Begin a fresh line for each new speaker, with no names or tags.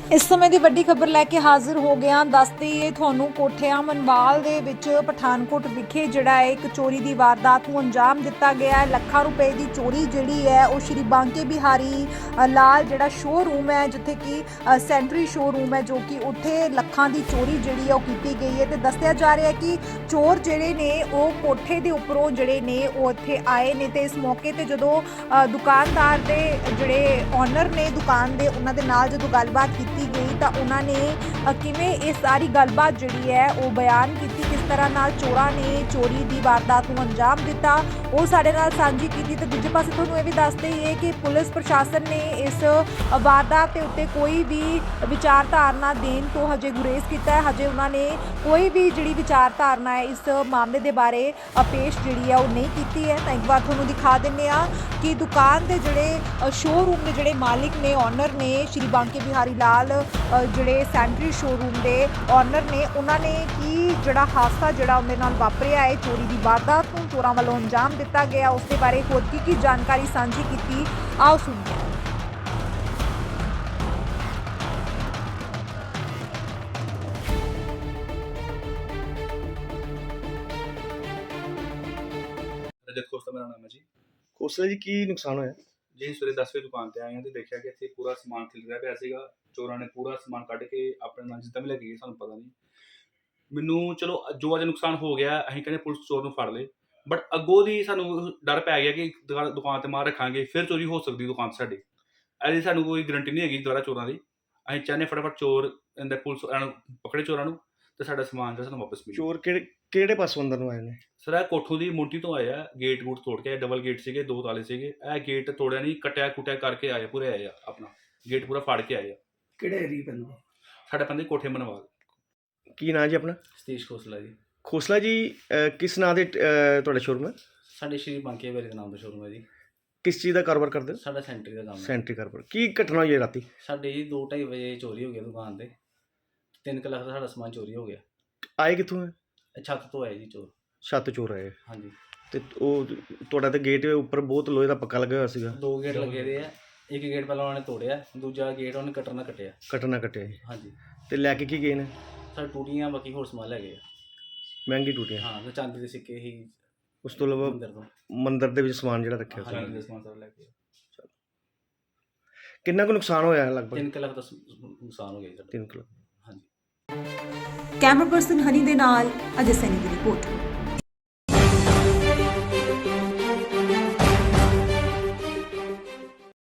इस समय की वड्डी खबर लैके हाजिर हो गया। दस दईए तुहानू कोठिया मनवाल दे विच पठानकोट विखे जिहड़ा है एक चोरी की वारदात नूं अंजाम दिता गया है। लखां रुपए की चोरी जिहड़ी है वो श्री बांके बिहारी लाल जिहड़ा शोरूम है जिथे कि सेंट्री शोरूम है जो कि उत्थे लखां की चोरी जिहड़ी है वो की गई है। तो दस्सिया जा रहा है कि चोर जिहड़े ने वो कोठे के उपरों जिहड़े ने वो इत्थे आए ने ते इस मौके ते जदों दुकानदार दे जिहड़े ओनर ने दुकान दे उन्हां दे नाल जदों गलबात की गई तो उन्होंने किवें ये सारी गलबात जिहड़ी है वो बयान की किस तरह नाल चोरां ने चोरी की वारदात नूं अंजाम दिता वो साडे नाल सांझी की। तो दूजे पासे तुहानूं ये भी दस दईए कि पुलिस प्रशासन ने इस वारदात के उत्ते कोई भी विचारधारणा देण तो हजे गुरेज किया है। हजे उन्होंने कोई भी जिहड़ी विचारधारणा है इस मामले के बारे पेश जिहड़ी है वो नहीं की है। तो एक बार तुहानूं दिखा दिंदे आ कि दुकान के जिहड़े शोरूम के जिहड़े मालिक ने ओनर ने श्री बांके बिहारी लाल जिहड़े सेंट्री शोरूम के ओनर ने उन्होंने की जिहड़ा हादसा जिहड़ा उहदे नाल वापरिया है चोरी की वारदात नूं चोरां वालों अंजाम दिता गया उसके बारे होर की जानकारी सांझी की आओ सुनिए।
रजत खोसला मेरा नाम है जी।
खोसला जी की नुकसान होया
जी सवेरे 10 वजे दुकान ਤੇ ਆਏ ਹਾਂ ਤੇ ਦੇਖਿਆ ਕਿ ਇੱਥੇ ਪੂਰਾ ਸਮਾਨ ਖਿਲ ਰਿਹਾ ਪਿਆ ਸੀਗਾ। ਚੋਰਾਂ ਨੇ ਪੂਰਾ ਸਮਾਨ ਕੱਢ ਕੇ ਆਪਣੇ ਨਾਲ ਜਿੱਦਾਂ ਵੀ ਲੈ ਕੇ ਗਏ ਸਾਨੂੰ ਪਤਾ ਨਹੀਂ। ਮੈਨੂੰ ਚਲੋ ਜੋ ਅੱਜ ਨੁਕਸਾਨ ਹੋ ਗਿਆ ਅਸੀਂ ਕਹਿੰਦੇ ਪੁਲਿਸ ਚੋਰ ਨੂੰ ਫੜ ਲੇ ਬਟ ਅੱਗੋਂ ਦੀ ਸਾਨੂੰ ਡਰ ਪੈ ਗਿਆ ਕਿ ਦੁਕਾਨ ਤੇ ਮਾਰ ਰੱਖਾਂਗੇ ਫਿਰ ਚੋਰੀ ਹੋ ਸਕਦੀ ਦੁਕਾਨ ਸਾਡੀ। ਇਹਦੀ ਸਾਨੂੰ ਕੋਈ ਗਰੰਟੀ ਨਹੀਂ ਹੈਗੀ ਦੁਬਾਰਾ ਚੋਰਾਂ ਦੀ। ਅਸੀਂ ਚਾਹੁੰਦੇ ਫਟਾਫਟ ਚੋਰ ਇਹਦੇ ਪੁਲਿਸ ਨੂੰ ਪਕੜੇ ਚੋਰਾਂ ਨੂੰ ਤੇ ਸਾਡਾ ਸਮਾਨ ਜਿਹੜਾ ਸਾਨੂੰ ਵਾਪਸ ਮਿਲੇ।
ਚੋਰ ਕਿਹੜੇ ਪਾਸੋਂ ਅੰਦਰ ਨੂੰ ਆਏ ਨੇ
ਸਰ ਇਹ ਕੋਠੋਂ ਦੀ ਮੋਂਟੀ ਤੋਂ ਆਇਆ ਗੇਟ ਗੂਟ ਤੋੜ ਕੇ ਡਬਲ ਗੇਟ ਸੀਗੇ 2 ਤਾਲੇ ਸੀਗੇ ਇਹ ਗੇਟ ਤੋੜਿਆ ਨਹੀਂ ਕੱਟਿਆ ਕੁੱਟਿਆ ਕਰਕੇ ਆਏ ਪੂਰੇ ਆਏ ਆ ਆਪਣਾ ਗੇਟ ਪੂਰਾ ਫਾੜ ਕੇ ਆਏ ਆ।
ਕਿਹੜੇ ਏਰੀਆ ਪੈਂਦਾ?
ਸਾਡੇ ਪੈਂਦੇ ਕੋਠੇ ਮਨਵਾਲ।
ਕੀ ਨਾਂ ਜੀ ਆਪਣਾ?
ਸਤੀਸ਼ ਖੋਸਲਾ ਜੀ।
ਖੋਸਲਾ ਜੀ ਕਿਸ ਨਾਂ ਦੇ ਤੁਹਾਡਾ ਸ਼ੋਰੂਮ ਹੈ?
ਸਾਡੇ ਸ਼੍ਰੀ ਬਾਂਕੇ ਬਿਹਾਰੀ ਦੇ ਨਾਮ ਦਾ ਸ਼ੋਰੂਮ ਹੈ ਜੀ।
ਕਿਸ ਚੀਜ਼ ਦਾ ਕਾਰੋਬਾਰ ਕਰਦੇ ਹੋ?
ਸਾਡਾ ਸੈਂਟਰੀ ਦਾ ਕੰਮ ਹੈ।
ਸੈਂਟਰੀ ਕਾਰੋਬਾਰ। ਕੀ ਘਟਨਾ ਹੋਈ ਹੈ ਰਾਤੀ?
ਸਾਡੇ ਜੀ 2:30 ਵਜੇ ਚੋਰੀ ਹੋ ਗਈ ਦੁਕਾਨ ਤੇ 3 ਲੱਖ ਦਾ ਸਾਡਾ ਸਮਾਨ ਚੋਰੀ ਹੋ ਗਿਆ।
ਆਏ ਕਿੱਥੋਂ ਹੈ?
ਇਹ ਛੱਤ ਤੋਂ ਆਏ ਜੀ ਚੋਰ।
ਛੱਤ ਚੋਰ ਆਏ?
ਹਾਂਜੀ।
ਤੇ ਉਹ ਤੁਹਾਡਾ ਤੇ ਗੇਟ ਉੱਪਰ ਬਹੁਤ ਲੋਹੇ ਦਾ ਪੱਕਾ ਲੱਗਾ ਹੋਇਆ ਸੀਗਾ।
2 ਗੇਟ ਲੱਗੇ ਦੇ ਆ। ਇੱਕ ਗੇਟ ਪਹਿਲਾਂ ਉਹਨੇ ਤੋੜਿਆ ਦੂਜਾ ਗੇਟ ਉਹਨੇ ਕੱਟਣਾ ਕੱਟਿਆ।
ਕੱਟਣਾ ਕੱਟਿਆ ਜੀ।
ਹਾਂਜੀ।
ਤੇ ਲੈ ਕੇ ਕੀ ਗਏ ਨੇ?
ਸਾਡੇ ਟੂਟੀਆਂ ਬਾਕੀ ਹੋਰ ਸਮਾਨ ਲੈ ਗਏ ਆ।
ਮਹਿੰਗੀ ਟੂਟੀਆਂ?
ਹਾਂ ਤੇ ਚਾਂਦੀ ਦੇ ਸਿੱਕੇ ਹੀ।
ਉਸ ਤੋਂ ਇਲਾਵਾ
ਮੰਦਰ ਤੋਂ
ਮੰਦਰ ਦੇ ਵਿੱਚ ਸਮਾਨ ਜਿਹੜਾ ਰੱਖਿਆ ਸੀ।
ਹਾਂਜੀ।
ਦੇ ਸਮਾਨ ਸਾਰਾ ਲੈ ਕੇ
ਕਿੰਨਾ ਕੁ ਨੁਕਸਾਨ ਹੋਇਆ ਲਗਭਗ?
3 ਲੱਖ ਦਾ ਨੁਕਸਾਨ ਹੋ ਗਿਆ ਜੀ ਸਾਡਾ।
3 ਲੱਖ।
ਹਾਂਜੀ।
कैमरा पर्सन हनी दे नाल अजय सैनी की रिपोर्ट।